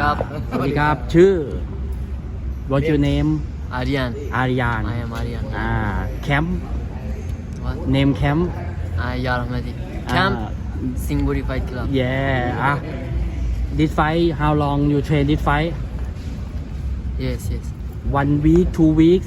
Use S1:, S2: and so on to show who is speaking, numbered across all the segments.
S1: ครับ
S2: สวัสดีครับชื่อ What's your name
S1: Aryan
S2: Aryan
S1: I am Aryan
S2: Camp
S1: What
S2: name Camp
S1: Ya Rahmati Camp Singburi Fight Club
S2: yeah this fight how long you train this fight
S1: Yes
S2: 1 week 2 weeks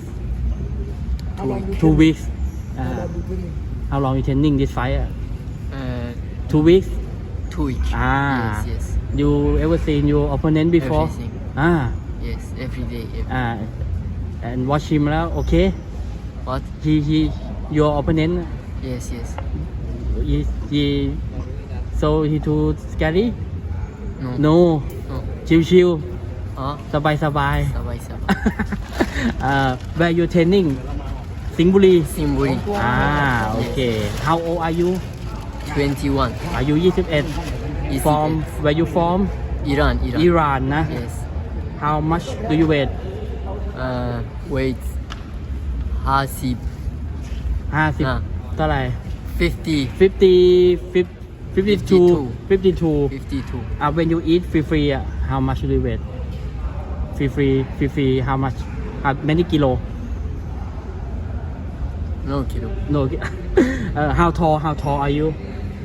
S2: 2 weeks how long you training this fight 2 weeks
S1: 2 weeks Yes
S2: you ever seen your opponent before
S1: Everything Yes every day
S2: and watch him แล้ว okay
S1: What
S2: he your opponent
S1: Yes
S2: he so he too scary
S1: No
S2: no ชิว
S1: Oh
S2: ๆสบาย
S1: Sabai
S2: where you training สิงห์บุรี
S1: Singburi
S2: โอเค how old are you
S1: 21
S2: อายุ21 from where you from
S1: Iran
S2: Iran นะ
S1: Yes
S2: how much do you weigh
S1: Wait 50
S2: 50เท่าไหร่
S1: 50
S2: 52 when you eat free how much do you weigh free how much many kilo
S1: No kilo
S2: no how tall are you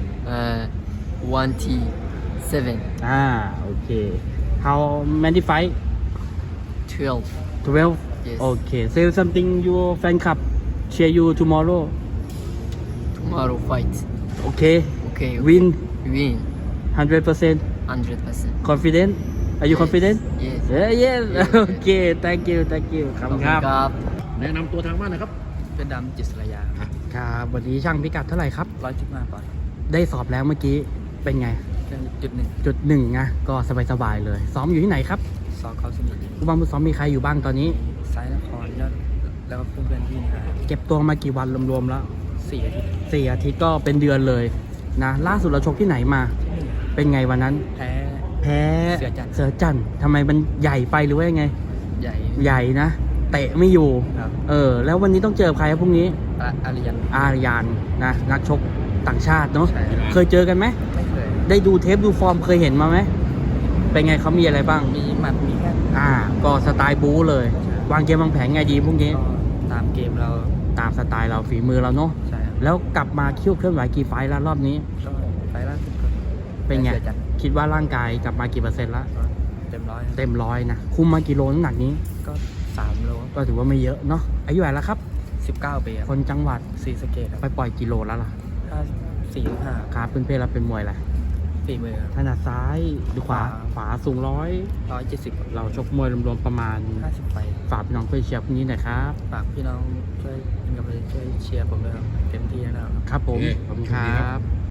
S1: 1T7
S2: okay how many fight
S1: 12
S2: 12
S1: Yes
S2: okay say something your fan club cheer you tomorrow
S1: Tomorrow fight
S2: okay
S1: Okay
S2: win
S1: Win
S2: 100%
S1: 100%
S2: confident are you confident
S1: Yes
S2: yes okay thank you ครับ
S1: ครับ
S3: แนะนำตัวทางบ้านหนะครับ
S1: เป็นดำจิตสระยา
S2: ครับวันนี้ช่างพิกัดเท่าไหร่ครับ
S1: 115 ปอนด์
S2: ได้สอบแล้วเมื่อกี้เป็นไง
S1: 1.1
S2: จุดหนึ่งนะก็สบายๆเลย ซ้อมอยู่ที่ไหนครับ
S1: ซอกเขาสนิท
S2: ผู้บังคับซ้อมมีใครอยู่บ้างตอนนี้
S1: ซ้ายนครยอดแล้วก็เพื่อนๆพี่นะ
S2: เก็บตัวมากี่วันรวมๆแล้ว
S1: 4 อาทิตย์
S2: 4 อาทิตย์ก็เป็นเดือนเลยนะล่าสุดเราชกที่ไหนมา เป็นไงวันนั้น
S1: แพ้
S2: แพ้
S1: เสือจันทร์
S2: ทำไมมันใหญ่ไปหรือว่ายังไง
S1: ใหญ่
S2: ใหญ่นะเตะไม่อยู่
S1: ครับ
S2: แล้ววันนี้ต้องเจอใครครับพรุ่งนี้
S1: อาริยัน
S2: อารยานนะนักชกต่างชาติเนาะ
S1: ใช่ครับ
S2: เคยเจอกันไหม
S1: ไม่เคย
S2: ได้ดูเทปดูฟอร์มเคยเห็นมาไหมเป็นไงเขามีอะไรบ้าง
S1: มีหมัดมีแค่
S2: ก็สไตล์บู๊เลย วางเกมวางแผนไงดีพรุ่งนี้
S1: ก็ตามเกมเรา
S2: ตามสไตล์เราฝีมือเราเนาะ
S1: ใช่ครับ
S2: แล้วกลับมาคิ้วเคลื่อนไหวกี่ไฟล์แล้วรอบนี้
S1: ก็ไฟล์ล่าสุดก็
S2: เป็นไง
S1: สือจันทร์
S2: คิดว่าร่างกายกลับมากี่เปอร์เซ็นต์ละ
S1: ก็เต็มร้อย
S2: เต็มร้อยนะ คุมมากี่โลน้ำหนักนี้
S1: ก็3 โล
S2: ก็ถือว่าไม่เยอะเนาะอายุเท่าไหร่แล้วครับ
S1: 19 ปีครับ
S2: คนจังหวัด
S1: ศรีสะเกษครับ
S2: ไปปล่อยกิโลแล้วล่ะ
S1: 45
S2: ครับเพื่อนๆเราเป็นมวยแหละ
S1: ฝีมือครับ
S2: ถนัดซ้ายหรือขวา ขวาสูง
S1: 170
S2: เราชกมวยรวมๆประมาณ
S1: 50 ไป
S2: ฝากพี่น้องเพื่อนเชียร์พรุ่งนี้หน่อยครับ
S1: ฝากพี่น้องช่วยเป็นกำลังใจช่วยเชียร์ผมด้วยครับเต็มที่แน่นอนครับ
S2: ครับผม
S3: โอเค
S2: ขอบคุณครับ